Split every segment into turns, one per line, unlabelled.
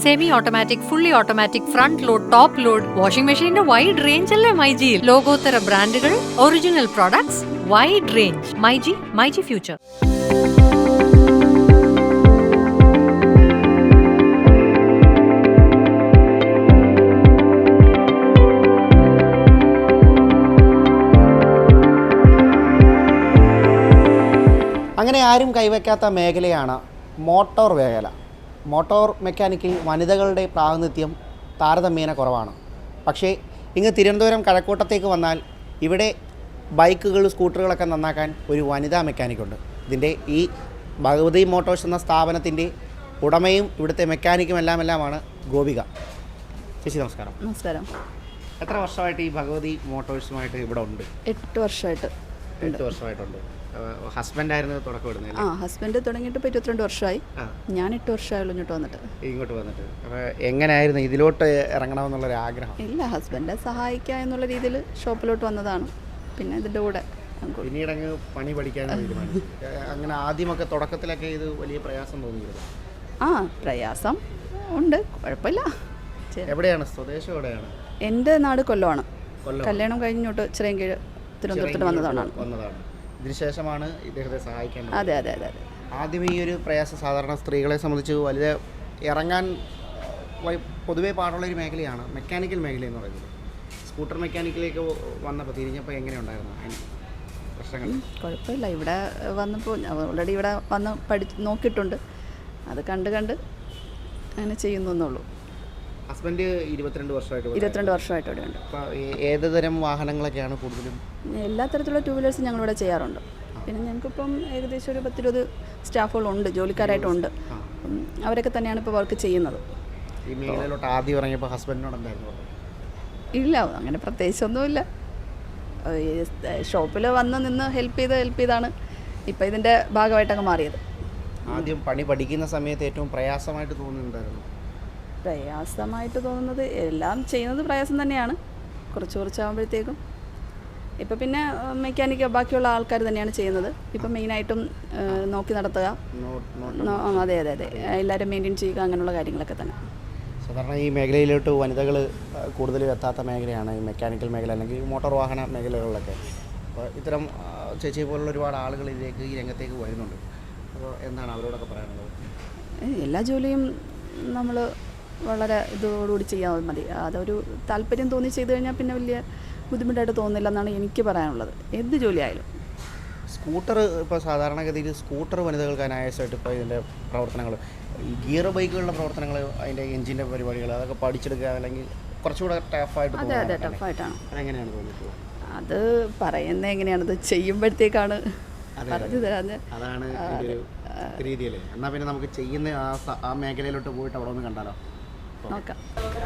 Semi automatic, fully automatic, front load, top load, washing മെഷീന്റെ wide range അല്ലേ മൈജിയിൽ. ലോകോത്തര ബ്രാൻഡുകൾ, original products, wide range. MyG future.
അങ്ങനെ ആരും കൈവയ്ക്കാത്ത മേഖലയാണ് മോട്ടോർ മേഖല. മോട്ടോർ മെക്കാനിക്കിൽ വനിതകളുടെ പ്രാതിനിധ്യം താരതമ്യേന കുറവാണ്. പക്ഷേ ഇങ്ങ് തിരുവനന്തപുരം കഴക്കൂട്ടത്തേക്ക് വന്നാൽ ഇവിടെ ബൈക്കുകൾ, സ്കൂട്ടറുകളൊക്കെ നന്നാക്കാൻ ഒരു വനിതാ മെക്കാനിക്കുണ്ട്. ഇതിൻ്റെ ഈ ഭഗവതി മോട്ടോഴ്സ് എന്ന സ്ഥാപനത്തിൻ്റെ ഉടമയും ഇവിടുത്തെ മെക്കാനിക്കും എല്ലാമാണ് ഗോപിക. ചേച്ചി നമസ്കാരം.
നമസ്കാരം.
എത്ര വർഷമായിട്ട് ഈ ഭഗവതി മോട്ടോഴ്സുമായിട്ട് ഇവിടെ ഉണ്ട്?
8 വർഷമായിട്ട്.
8 വർഷമായിട്ടുണ്ട്. ഹസ്ബൻഡായിരുന്നു തുടക്കം ഇടുന്നത്?
ഹസ്ബൻഡ് തുടങ്ങിയിട്ട് ഇപ്പോൾ 22 വർഷമായി. ഞാൻ 8 വർഷമായുള്ളൂ ഇങ്ങോട്ട് വന്നിട്ട്.
അപ്പോൾ എങ്ങനെയായിരുന്നു ഇതിലോട്ട് ഇറങ്ങണമെന്നുള്ളൊരു ആഗ്രഹം?
ഇല്ല, ഹസ്ബൻഡെ സഹായിക്കുക എന്നുള്ള രീതിയിൽ ഷോപ്പിലോട്ട് വന്നതാണ്. പിന്നെ ഇതിൻ്റെ കൂടെ
പിന്നീട് അങ്ങ് പണി പഠിക്കാൻ തീരുമാനിച്ചു. അങ്ങനെ ആദ്യമൊക്കെ തുടക്കത്തിലൊക്കെ ഇത് വലിയ പ്രയാസം തോന്നിയിരുന്നു?
പ്രയാസം ഉണ്ട്, കുഴപ്പമില്ല.
എവിടെയാണ് സ്വദേശം? എവിടെയാണ്?
എൻ്റെ നാട് കൊല്ലമാണ്. കല്യാണം കഴിഞ്ഞോട്ട് ചിറയൻകീഴ് തിരുവനന്തപുരത്ത് വന്നതാണ്.
ഇതിനുശേഷമാണ് ഇദ്ദേഹത്തെ സഹായിക്കാൻ.
അതെ.
ആദ്യം ഈ ഒരു പ്രയാസം സാധാരണ സ്ത്രീകളെ സംബന്ധിച്ച് വലിയ ഇറങ്ങാൻ പൊതുവേ പാടുള്ളൊരു മേഖലയാണ് മെക്കാനിക്കൽ മേഖല എന്ന് പറയുന്നത്. സ്കൂട്ടർ മെക്കാനിക്കിലേക്ക് വന്നപ്പോൾ തിരിഞ്ഞപ്പോൾ എങ്ങനെയുണ്ടായിരുന്നു പ്രശ്നങ്ങൾ?
കുഴപ്പമില്ല. ഇവിടെ വന്നപ്പോൾ ഓൾറെഡി ഇവിടെ വന്ന് നോക്കിയിട്ടുണ്ട്. അത് കണ്ട് അങ്ങനെ ചെയ്യുന്നു എന്നുള്ളൂ.
ഹസ്ബൻഡ് 22 വർഷമായിട്ട്
ഇവിടെ ഉണ്ട്.
അപ്പോൾ ഏത് തരം വാഹനങ്ങളൊക്കെയാണ് കൂടുതലും? എല്ലാ
തരത്തിലുള്ള 2 വീലേഴ്സ് ഞങ്ങളിവിടെ ചെയ്യാറുണ്ട്. പിന്നെ ഞങ്ങൾക്കിപ്പം ഏകദേശം ഒരു 10-20 സ്റ്റാഫുകളുണ്ട്, ജോലിക്കാരായിട്ടുണ്ട്. അവരൊക്കെ തന്നെയാണ് ഇപ്പോൾ വർക്ക് ചെയ്യുന്നത്.
ഈ മേഖലയിലോട്ട് ആദ്യം ഇറങ്ങിയപ്പോൾ ഹസ്ബൻഡിനോട് എന്തായിരുന്നു?
ഇല്ല, അങ്ങനെ പ്രത്യേകിച്ചൊന്നുമില്ല. ഷോപ്പിൽ വന്ന് നിന്ന് ഹെൽപ്പ് ചെയ്താണ് ഇപ്പോൾ ഇതിൻ്റെ ഭാഗമായിട്ടങ്ങ് മാറിയത്.
ആദ്യം പണി പഠിക്കുന്ന സമയത്ത് ഏറ്റവും പ്രയാസമായിട്ട് തോന്നുന്നുണ്ടായിരുന്നു?
പ്രയാസമായിട്ട് തോന്നുന്നത് എല്ലാം ചെയ്യുന്നത് പ്രയാസം തന്നെയാണ്. കുറച്ചാകുമ്പോഴത്തേക്കും ഇപ്പം പിന്നെ മെക്കാനിക്ക് ബാക്കിയുള്ള ആൾക്കാർ തന്നെയാണ് ചെയ്യുന്നത്. ഇപ്പം മെയിനായിട്ടും നോക്കി നടത്തുക, അതെ എല്ലാവരും മെയിൻറ്റെയിൻ ചെയ്യുക, അങ്ങനെയുള്ള കാര്യങ്ങളൊക്കെ തന്നെ.
സാധാരണ ഈ മേഖലയിലോട്ട് വനിതകൾ കൂടുതലും എത്താത്ത മേഖലയാണ് ഈ മെക്കാനിക്കൽ മേഖല അല്ലെങ്കിൽ മോട്ടോർ വാഹന മേഖലകളിലൊക്കെ. അപ്പോൾ ഇത്തരം ചേച്ചി പോലുള്ള ഒരുപാട് ആളുകൾ ഇതിലേക്ക് ഈ രംഗത്തേക്ക് വരുന്നുണ്ട്. അപ്പോൾ എന്താണ് അവരോടൊക്കെ പറയാനുള്ളത്?
എല്ലാ ജോലിയും നമ്മൾ വളരെ ഇതോടുകൂടി ചെയ്യാൻ മതി. അതൊരു താല്പര്യം തോന്നി ചെയ്തു കഴിഞ്ഞാൽ പിന്നെ വലിയ ബുദ്ധിമുട്ടായിട്ട് തോന്നുന്നില്ല എന്നാണ് എനിക്ക് പറയാനുള്ളത്, എന്ത് ജോലിയായാലും.
സ്കൂട്ടർ ഇപ്പോൾ സാധാരണഗതിയിൽ സ്കൂട്ടർ വനിതകൾക്ക് അനായാസമായിട്ട് ഇപ്പോൾ ഇതിൻ്റെ പ്രവർത്തനങ്ങൾ, ഈ ഗിയർ ബൈക്കുകളുടെ പ്രവർത്തനങ്ങൾ, അതിൻ്റെ എഞ്ചിൻ്റെ പരിപാടികൾ അതൊക്കെ പഠിച്ചെടുക്കുക അല്ലെങ്കിൽ കുറച്ചുകൂടെ ടഫായിട്ട്?
അതെ, ടഫായിട്ടാണ്.
അതെങ്ങനെയാണ് തോന്നിയിട്ടുള്ളത്?
അത് പറയുന്നത് എങ്ങനെയാണത് ചെയ്യുമ്പോഴത്തേക്കാണ് പറഞ്ഞു തരാൻ.
അതാണ് രീതിയല്ലേ? എന്നാൽ പിന്നെ നമുക്ക് ചെയ്യുന്ന ആ മേഖലയിലോട്ട് പോയിട്ട് അവിടെ ഒന്ന് കണ്ടാലോ?
നോക്കാം.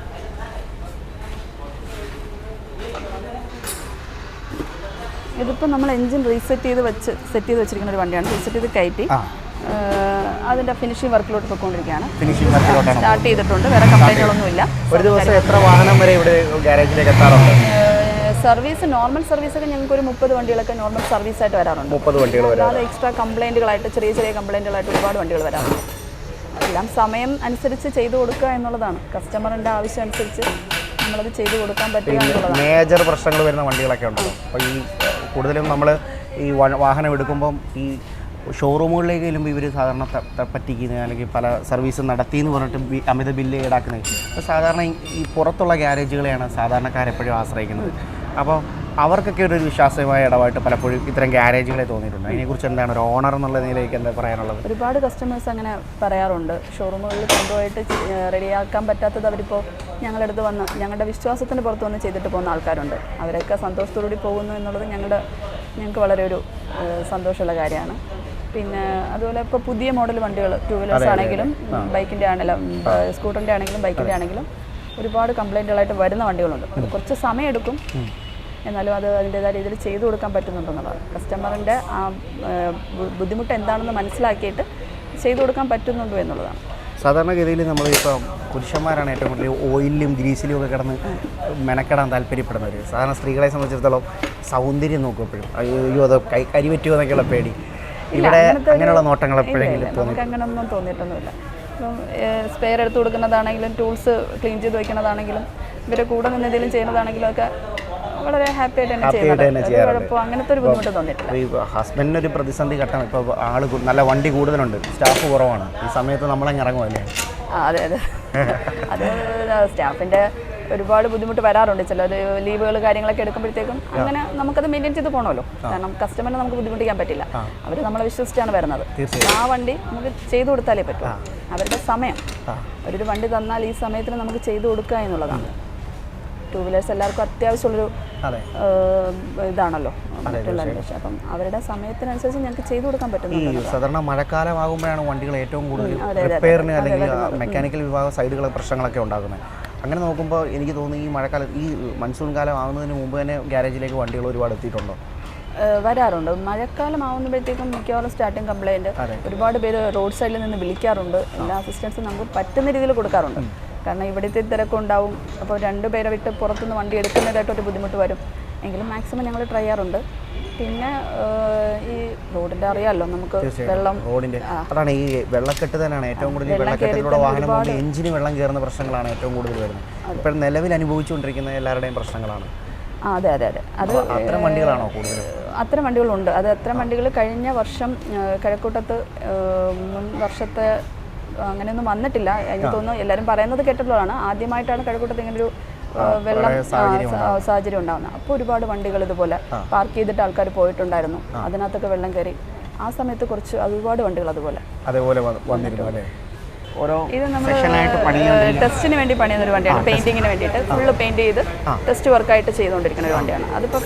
ഇതിപ്പോൾ നമ്മൾ എൻജിൻ സെറ്റ് ചെയ്ത് വെച്ചിരിക്കുന്ന ഒരു വണ്ടിയാണ്. റീസെറ്റ് ചെയ്ത് കയറ്റി അതിൻ്റെ ഫിനിഷിംഗ് വർക്കിലോട്ട് പോയിക്കൊണ്ടിരിക്കുകയാണ്. സ്റ്റാർട്ട് ചെയ്തിട്ടുണ്ട്. വേറെ കംപ്ലൈൻറ്റുകളൊന്നുമില്ല.
ഒരു ദിവസം എത്ര വാഹനം വരെ ഇവിടെ ഗാരേജിലേക്ക് എത്താറുണ്ട്?
സർവീസ്, നോർമൽ സർവീസൊക്കെ ഞങ്ങൾക്ക് ഒരു 30 വണ്ടികളൊക്കെ നോർമൽ സർവീസായിട്ട് വരാറുണ്ട്.
30 വണ്ടികൾ
അല്ലാതെ എക്സ്ട്രാ കംപ്ലൈൻറ്റുകളായിട്ട് ചെറിയ കംപ്ലൈൻറ്റുകളായിട്ട് ഒരുപാട് വണ്ടികൾ വരാറുണ്ട്. എല്ലാം സമയം അനുസരിച്ച് ചെയ്തു കൊടുക്കുക എന്നുള്ളതാണ്. കസ്റ്റമറിൻ്റെ ആവശ്യം അനുസരിച്ച് നമ്മളത് ചെയ്തു കൊടുക്കാൻ പറ്റുക എന്നുള്ളതാണ്.
മേജർ പ്രശ്നങ്ങൾ വരുന്ന വണ്ടികളൊക്കെ ഉണ്ടല്ലോ. അപ്പോൾ ഈ കൂടുതലും നമ്മൾ ഈ വാഹനം എടുക്കുമ്പം ഈ ഷോറൂമുകളിലേക്ക് ചെല്ലുമ്പോൾ ഇവർ സാധാരണ പറ്റിക്കുന്നത് അല്ലെങ്കിൽ പല സർവീസ് നടത്തിയെന്ന് പറഞ്ഞിട്ട് അമിത ബില്ല് ഈടാക്കുന്നത്. അപ്പോൾ സാധാരണ ഈ പുറത്തുള്ള ഗ്യാരേജുകളെയാണ് സാധാരണക്കാരെപ്പോഴും ആശ്രയിക്കുന്നത്. അപ്പോൾ അവർക്കൊക്കെ ഒരു വിശ്വാസമായ ഇടപായിട്ട് പലപ്പോഴും ഇത്തരം ഗ്യാരേജുകളെ തോന്നിയിട്ടുണ്ട്. അതിനെക്കുറിച്ച് എന്താണ് ഒരു ഓണർ എന്നുള്ള നിലയിലേക്ക് എന്താ പറയാനുള്ളത്?
ഒരുപാട് കസ്റ്റമേഴ്സ് അങ്ങനെ പറയാറുണ്ട്. ഷോറൂമുകളിൽ കൊണ്ടുപോയിട്ട് റെഡിയാക്കാൻ പറ്റാത്തത് അവരിപ്പോൾ ഞങ്ങളുടെ അടുത്ത് വന്ന് ഞങ്ങളുടെ വിശ്വാസത്തിന് പുറത്ത് വന്ന് ചെയ്തിട്ട് പോകുന്ന ആൾക്കാരുണ്ട്. അവരൊക്കെ സന്തോഷത്തോടുകൂടി പോകുന്നു എന്നുള്ളത് ഞങ്ങൾക്ക് വളരെ ഒരു സന്തോഷമുള്ള കാര്യമാണ്. പിന്നെ അതുപോലെ ഇപ്പോൾ പുതിയ മോഡൽ വണ്ടികൾ 2 വീലേഴ്സ് ആണെങ്കിലും ബൈക്കിൻ്റെ ആണെങ്കിലും സ്കൂട്ടറിൻ്റെ ആണെങ്കിലും ബൈക്കിൻ്റെ ആണെങ്കിലും ഒരുപാട് കംപ്ലൈൻറ്റുകളായിട്ട് വരുന്ന വണ്ടികളുണ്ട്. അത് കുറച്ച് സമയമെടുക്കും, എന്നാലും അത് അതിൻ്റേതായ രീതിയിൽ ചെയ്തു കൊടുക്കാൻ പറ്റുന്നുണ്ടെന്നുള്ളതാണ്. കസ്റ്റമറിൻ്റെ ആ ബുദ്ധിമുട്ട് എന്താണെന്ന് മനസ്സിലാക്കിയിട്ട് ചെയ്തു കൊടുക്കാൻ പറ്റുന്നുണ്ടോ എന്നുള്ളതാണ്.
സാധാരണഗതിയിൽ നമ്മളിപ്പോൾ പുരുഷന്മാരാണ് ഏറ്റവും കൂടുതൽ ഓയിലും ഗ്രീസിലും ഒക്കെ കിടന്ന് മെനക്കെടാൻ താല്പര്യപ്പെടുന്നവർ. സാധാരണ സ്ത്രീകളെ സംബന്ധിച്ചിടത്തോളം സൗന്ദര്യം നോക്കും എപ്പോഴും. അയ്യോ അത് കരിപറ്റുമോ എന്നൊക്കെയുള്ള പേടി. ഇവിടെ അങ്ങനെയുള്ള നോട്ടങ്ങൾ എപ്പോഴെങ്കിലും
നമുക്ക് അങ്ങനെയൊന്നും തോന്നിയിട്ടൊന്നുമില്ല. ഇപ്പം സ്പെയർ എടുത്ത് കൊടുക്കുന്നതാണെങ്കിലും ടൂൾസ് ക്ലീൻ ചെയ്ത് വയ്ക്കുന്നതാണെങ്കിലും ഇവരെ കൂടെ നിന്ന് എന്തെങ്കിലും ചെയ്യുന്നതാണെങ്കിലും ഒക്കെ വളരെ ഹാപ്പി ആയിട്ട് തന്നെ ചെയ്യുന്നത്. കുഴപ്പം അങ്ങനത്തെ ഒരു ബുദ്ധിമുട്ട് തോന്നിയിട്ടില്ല.
ഹസ്ബൻഡിന് ഒരു പ്രതിസന്ധി ഘട്ടം, ഇപ്പോൾ ആൾ നല്ല വണ്ടി കൂടുതലുണ്ട്, സ്റ്റാഫ് കുറവാണ്, ഈ സമയത്ത് നമ്മളങ്ങ് ഇറങ്ങുമല്ലേ?
അതെ അതെ അത് സ്റ്റാഫിൻ്റെ ഒരുപാട് ബുദ്ധിമുട്ട് വരാറുണ്ട്. ചിലർ ലീവുകൾ കാര്യങ്ങളൊക്കെ എടുക്കുമ്പോഴത്തേക്കും അങ്ങനെ നമുക്കത് മെയിൻറ്റെയിൻ ചെയ്ത് പോകണമല്ലോ. കാരണം കസ്റ്റമറിനെ നമുക്ക് ബുദ്ധിമുട്ടിക്കാൻ പറ്റില്ല. അവർ നമ്മളെ വിശ്വസിച്ചാണ് വരുന്നത്. ആ വണ്ടി നമുക്ക് ചെയ്തു കൊടുത്താലേ പറ്റൂ. അവരുടെ സമയം, അവരൊരു വണ്ടി തന്നാൽ ഈ സമയത്തിന് നമുക്ക് ചെയ്തു കൊടുക്കുക എന്നുള്ളതാണ്. ടൂ വീലേഴ്സ് എല്ലാവർക്കും അത്യാവശ്യമുള്ളൊരു ഇതാണല്ലോ മറ്റുള്ളവരുടെ. അപ്പം അവരുടെ സമയത്തിനനുസരിച്ച് ഞങ്ങൾക്ക് ചെയ്തു കൊടുക്കാൻ പറ്റുന്നു.
സാധാരണ മഴക്കാലമാകുമ്പോഴാണ് വണ്ടികൾ ഏറ്റവും കൂടുതൽ റിപ്പയറിന് അല്ലെങ്കിൽ മെക്കാനിക്കൽ വിഭാഗ സൈഡുകൾ പ്രശ്നങ്ങളൊക്കെ ഉണ്ടാകുന്നത്. അങ്ങനെ നോക്കുമ്പോൾ എനിക്ക് തോന്നുന്നു ഈ മഴക്കാലം, ഈ മൺസൂൺ കാലം ആവുന്നതിന് മുമ്പ് തന്നെ ഗ്യാരേജിലേക്ക് വണ്ടികൾ ഒരുപാട് എത്തിയിട്ടുണ്ടോ?
വരാറുണ്ട്. മഴക്കാലം ആവുമ്പോഴത്തേക്കും മിക്കവാറും സ്റ്റാർട്ടിങ് കംപ്ലയിൻറ്റ് ഒരുപാട് പേര് റോഡ് സൈഡിൽ നിന്ന് വിളിക്കാറുണ്ട്. എല്ലാ അസിസ്റ്റൻസും നമുക്ക് പറ്റുന്ന രീതിയിൽ കൊടുക്കാറുണ്ട്. കാരണം ഇവിടുത്തെ തിരക്കുണ്ടാവും. അപ്പോൾ 2 പേരെ വിട്ട് പുറത്തുനിന്ന് വണ്ടി എടുക്കുന്നതായിട്ടൊരു ബുദ്ധിമുട്ട് വരും. എങ്കിലും മാക്സിമം ഞങ്ങൾ ട്രൈ ചെയ്യാറുണ്ട്. പിന്നെ ഈ റോഡിൻ്റെ അറിയാമല്ലോ നമുക്ക് വെള്ളം,
റോഡിൻ്റെ അതാണ് ഈ വെള്ളക്കെട്ട് തന്നെയാണ് ഏറ്റവും കൂടുതൽ. വെള്ളക്കെട്ടിലൂടെ വാഹനം കൊണ്ട് എഞ്ചിന് വെള്ളം കയറുന്ന പ്രശ്നങ്ങളാണ് ഏറ്റവും കൂടുതൽ വരുന്നത്. ഇപ്പോൾ നിലവിൽ അനുഭവിച്ചുകൊണ്ടിരിക്കുന്ന എല്ലാവരുടെയും പ്രശ്നങ്ങളാണ്.
അതെ അതെ അതെ. അത്
അത്തരം വണ്ടികളാണോ കൂടുതൽ?
അത്തരം വണ്ടികളുണ്ട്. അത് അത്തരം വണ്ടികൾ കഴിഞ്ഞ വർഷം കഴക്കൂട്ടത്ത് മുൻ വർഷത്തെ അങ്ങനെയൊന്നും വന്നിട്ടില്ല. എനിക്ക് തോന്നുന്നു എല്ലാവരും പറയുന്നത് കേട്ടിട്ടുള്ളതാണ്. ആദ്യമായിട്ടാണ് കഴക്കൂട്ടത്ത് ഇങ്ങനൊരു വെള്ളം സാഹചര്യം ഉണ്ടാകുന്നത്. അപ്പോൾ ഒരുപാട് വണ്ടികൾ ഇതുപോലെ പാർക്ക് ചെയ്തിട്ട് ആൾക്കാർ പോയിട്ടുണ്ടായിരുന്നു. അതിനകത്തൊക്കെ വെള്ളം കയറി. ആ സമയത്ത് കുറച്ച് ഒരുപാട് വണ്ടികൾ അതുപോലെ
വന്നിരുന്നു.
ഇത് നമ്മൾ ടെസ്റ്റിന് വേണ്ടി പണിയുന്ന ഒരു വണ്ടിയാണ്. പെയിന്റിങ്ങിന് വേണ്ടിയിട്ട് ഫുള്ള് പെയിന്റ് ചെയ്ത് ടെസ്റ്റ് വർക്കായിട്ട് ചെയ്തുകൊണ്ടിരിക്കുന്ന ഒരു വണ്ടിയാണ്. അതിപ്പോൾ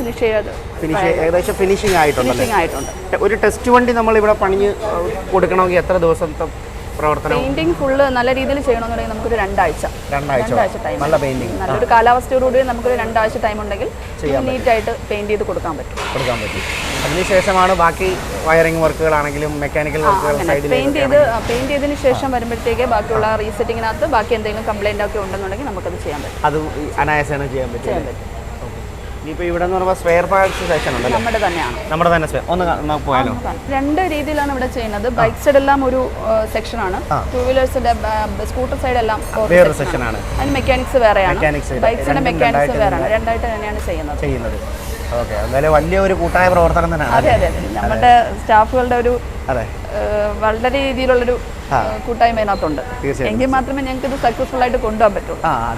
ഏകദേശം ഫിനിഷിംഗ് ആയിട്ടുണ്ട്. ഒരു ടെസ്റ്റ് വണ്ടി നമ്മൾ ഇവിടെ പണിഞ്ഞ് കൊടുക്കണമെങ്കിൽ എത്ര ദിവസത്തെ പ്രവർത്തനം?
പെയിന്റിംഗ് ഫുള്ള് നല്ല രീതിയിൽ ചെയ്യണമെന്നുണ്ടെങ്കിൽ നമുക്കൊരു 2 ആഴ്ച ടൈം.
നല്ല പെയിന്റിംഗ്,
നല്ലൊരു കാലാവസ്ഥയോടുകൂടി നമുക്കൊരു 2 ആഴ്ച ടൈം ഉണ്ടെങ്കിൽ നീറ്റായിട്ട് പെയിന്റ് ചെയ്ത് കൊടുക്കാൻ പറ്റും.
അതിനുശേഷമാണ് ബാക്കി വയറിംഗ് വർക്കുകളാണെങ്കിലും മെക്കാനിക്കൽ വർക്കുകൾ
പെയിന്റ് ചെയ്തതിന് ശേഷം വരുമ്പോഴത്തേക്ക് ബാക്കിയുള്ള റീസെറ്റിങ്ങിനകത്ത് ബാക്കി എന്തെങ്കിലും കംപ്ലൈന്റ് ഒക്കെ ഉണ്ടെന്നുണ്ടെങ്കിൽ നമുക്കത് ചെയ്യാൻ പറ്റും.
അത് അനായാസമാണ് ചെയ്യാൻ പറ്റും. ഇപ്പോൾ ഇവിടെ എന്ന് പറയുമ്പോൾ സ്പെയർ പാർട്സ് സെക്ഷൻ ഉണ്ടല്ലോ, നമ്മുടെ തന്നെ സ്പെയർ. ഒന്ന് പോയാലോ?
2 രീതിയിലാണ് ഇവിടെ ചെയ്യുന്നത്. ബൈക്ക് സൈഡ് എല്ലാം ഒരു സെക്ഷനാണ്, 2 വീലേഴ്സിന്റെ സ്കൂട്ടർ സൈഡ് എല്ലാം
വേറൊരു സെക്ഷനാണ്.
അതിന് മെക്കാനിക്സ് വേറെയാണ്, ബൈക്സിന്റെ മെക്കാനിക്സ് വേറെയാണ്. 2 ആയിട്ട് തന്നെയാണ് ചെയ്യുന്നത്.
ഓക്കെ, എന്തായാലും വലിയൊരു കൂട്ടായ പ്രവർത്തനം തന്നെയാണ്.
അതെ അതെ, നമ്മുടെ സ്റ്റാഫുകളുടെ ഒരു വളരെ രീതിയിലുള്ളൊരു കൂട്ടായ്മ അതിനകത്തുണ്ട്. എങ്കിൽ മാത്രമേ ഞങ്ങൾക്ക് ഇത് സക്സസ്ഫുൾ ആയിട്ട് കൊണ്ടുപോകാൻ പറ്റുള്ളൂ.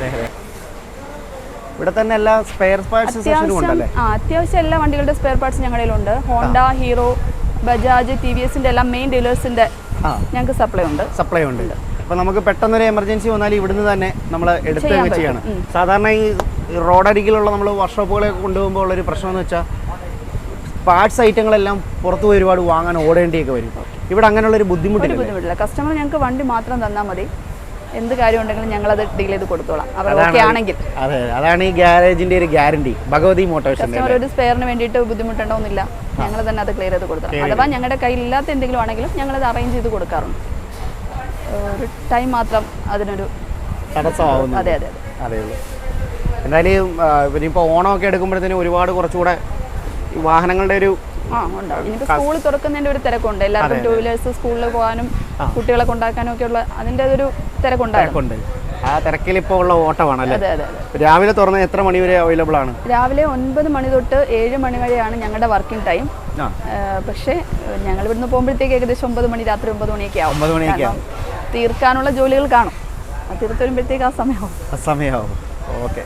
ഇവിടെ തന്നെ എല്ലാ സ്പെയർ പാർട്സ്
അത്യാവശ്യം എല്ലാ വണ്ടികളുടെ സ്പെയർ പാർട്സ് ഞങ്ങളിലുണ്ട്. ഹോണ്ട, ഹീറോ, ബജാജ്, TVSന്റെ എല്ലാം മെയിൻ ഡീലേഴ്സിന്റെ ഞങ്ങൾക്ക് സപ്ലൈ ഉണ്ട്.
അപ്പോൾ നമുക്ക് പെട്ടെന്നൊരു എമർജൻസി വന്നാൽ ഇവിടുന്ന് തന്നെ നമ്മൾ എടുത്ത് ചെയ്യണം. സാധാരണ ഈ റോഡരികിലുള്ള നമ്മൾ വർക്ക്ഷോപ്പുകളൊക്കെ കൊണ്ടുപോകുമ്പോൾ ഉള്ളൊരു പ്രശ്നം എന്ന് വെച്ചാൽ പാർട്സ് ഐറ്റങ്ങളെല്ലാം പുറത്ത് പോയി ഒരുപാട് വാങ്ങാൻ ഓടേണ്ടിയൊക്കെ വരും. ഇവിടെ അങ്ങനെയുള്ളൊരു ബുദ്ധിമുട്ടില്ല.
കസ്റ്റമർ ഞങ്ങൾക്ക് വണ്ടി മാത്രം തന്നാൽ മതി. എന്ത് കാര്യം ഉണ്ടെങ്കിലും ഞങ്ങളത് ഡീൽ ചെയ്ത് കൊടുത്തോളാം, അവർ ഓക്കെ ആണെങ്കിൽ.
അതെ, അതാണ് ഈ ഗ്യാരേജിന്റെ ഒരു ഗ്യാരണ്ടി. ഭഗവതി മോട്ടോഴ്സ്
കസ്റ്റമർ ഒരു സ്പെയറിന് വേണ്ടിയിട്ട് ബുദ്ധിമുട്ടുണ്ടോന്നില്ല, ഞങ്ങൾ തന്നെ അത് ക്ലിയർ ചെയ്ത് കൊടുക്കണം. അഥവാ ഞങ്ങളുടെ കയ്യിലില്ലാത്ത എന്തെങ്കിലും ആണെങ്കിലും ഞങ്ങളത് അറേഞ്ച് ചെയ്ത് കൊടുക്കാറുണ്ട്. ഒരു ടൈം മാത്രം അതിനൊരു
തടസ്സമാവുന്നു.
അതെ അതെ
അതേ ഉള്ളൂ. എന്തായാലും ഇനിയിപ്പോൾ ഓണമൊക്കെ എടുക്കുമ്പോഴത്തേനും ഒരുപാട് കുറച്ചുകൂടെ വാഹനങ്ങളുടെ ഒരു
ഉണ്ടാവും. ഇനിയിപ്പോൾ സ്കൂൾ തുറക്കുന്നതിൻ്റെ ഒരു തിരക്കുണ്ട്. എല്ലാവർക്കും 2 വീലേഴ്സ് സ്കൂളിൽ പോകാനും കുട്ടികളെ കൊണ്ടാക്കാനും ഒക്കെ ഉള്ള അതിൻ്റെ ഒരു തിരക്കുണ്ടായിട്ടുണ്ട്.
ആ തിരക്കിൽ ഇപ്പോൾ ഉള്ള ഓട്ടമാണല്ലേ?
അതെ അതെ.
രാവിലെ തുറന്ന് എത്ര മണി വരെ അവൈലബിൾ ആണ്?
രാവിലെ 9 മണി തൊട്ട് 7 മണി വരെയാണ് ഞങ്ങളുടെ വർക്കിംഗ് ടൈം. പക്ഷേ ഞങ്ങൾ ഇവിടുന്ന് പോകുമ്പോഴത്തേക്ക് ഏകദേശം 9 മണി, രാത്രി 9 മണിയൊക്കെ ആവും. തീർക്കാനുള്ള ജോലികൾ കാണും. അത് തീർത്ത് വരുമ്പോഴത്തേക്ക് ആ സമയമാവും.
ഓക്കെ,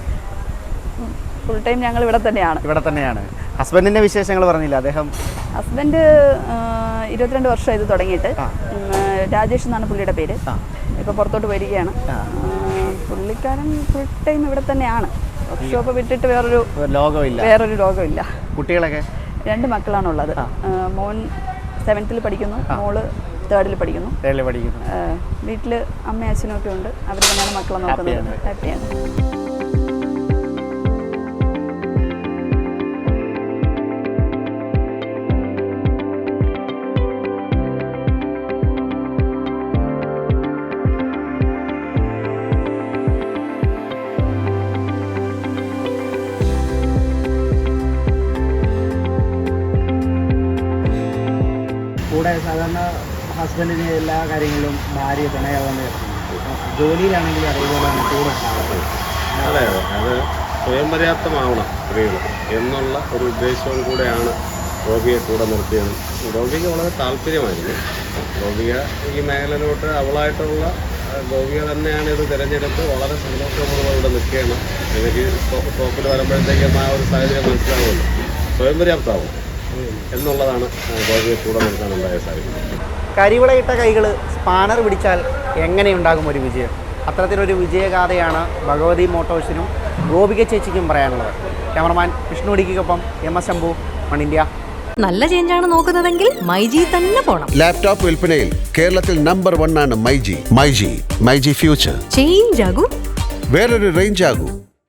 ഫുൾ ടൈം ഞങ്ങൾ ഇവിടെ തന്നെയാണ്.
ഹസ്ബൻഡിന്റെ വിശേഷങ്ങൾ പറഞ്ഞില്ല.
ഹസ്ബൻഡ് 22 വർഷം ഇത് തുടങ്ങിയിട്ട്. രാജേഷ് എന്നാണ് പുള്ളിയുടെ പേര്. ഇപ്പോൾ പുറത്തോട്ട് വരികയാണ്. പുള്ളിക്കാരൻ ഫുൾ ടൈം ഇവിടെ തന്നെയാണ്. വർക്ക്ഷോപ്പ് വിട്ടിട്ട് വേറൊരു ലോകമില്ല.
കുട്ടികളൊക്കെ
2 മക്കളാണുള്ളത്. മോൻ 7th പഠിക്കുന്നു, മോള് 3rd പഠിക്കുന്നു. വീട്ടിൽ അമ്മയും അച്ഛനും ഒക്കെ ഉണ്ട്. അവർ തന്നെയാണ് മക്കളെ നോക്കുന്നത്. ഹാപ്പിയാണ്.
കൂടെ സാധാരണ ഹസ്ബൻഡിന് എല്ലാ കാര്യങ്ങളിലും ഭാര്യ തുണയാവുന്ന ജോലിയിലാണെങ്കിലും അതേപോലെ തന്നെ കൂടെ
അതെ അതെ, അത് സ്വയം പര്യാപ്തമാവണം സ്ത്രീകൾ എന്നുള്ള ഒരു ഉദ്ദേശവും കൂടെയാണ് ഗോപിയെ കൂടെ നിർത്തിയത്. ഗോപിക്ക് വളരെ താല്പര്യമായിരുന്നു. ഗോപിക ഈ മേഖലയിലോട്ട് അവളായിട്ടുള്ള ഗോപിക തന്നെയാണ് ഇത് തിരഞ്ഞെടുത്ത് വളരെ സന്തോഷപൂർവ്വം ഇവിടെ നിൽക്കുകയാണ്. എനിക്ക് ടോപ്പിൽ വരുമ്പോഴത്തേക്കും ആ ഒരു സാഹചര്യം മനസ്സിലാവുമല്ലോ. സ്വയം പര്യാപ്തമാവും എന്നുള്ളതാണ് ഗോപിയെ കൂടെ നിർത്താനുണ്ടായ സാഹചര്യം.
കരിവിളയിട്ട കൈകൾ സ്പാനർ പിടിച്ചാൽ എങ്ങനെയുണ്ടാകും ഒരു വിജയം? അത്തരത്തിലൊരു വിജയഗാഥയാണ് ഭഗവതി മോട്ടോഴ്സിനും ഗോപിക ചേച്ചിക്കും പറയാനുള്ളത്. ക്യാമറമാൻ വിഷ്ണു ഡിക്കൊപ്പം MS ശംഭു, വൺ ഇന്ത്യ.
നല്ല ചേഞ്ചാണ് നോക്കുന്നതെങ്കിൽ മൈജി തന്നെ പോണം.
ലാപ്ടോപ്പ് വിൽപ്പനയിൽ കേരളത്തിൽ നമ്പർ 1 ആണ് മൈജി. മൈജി ഫ്യൂച്ചർ.
ചേഞ്ച് ആകും,
വേറൊരു റേഞ്ച് ആകൂ.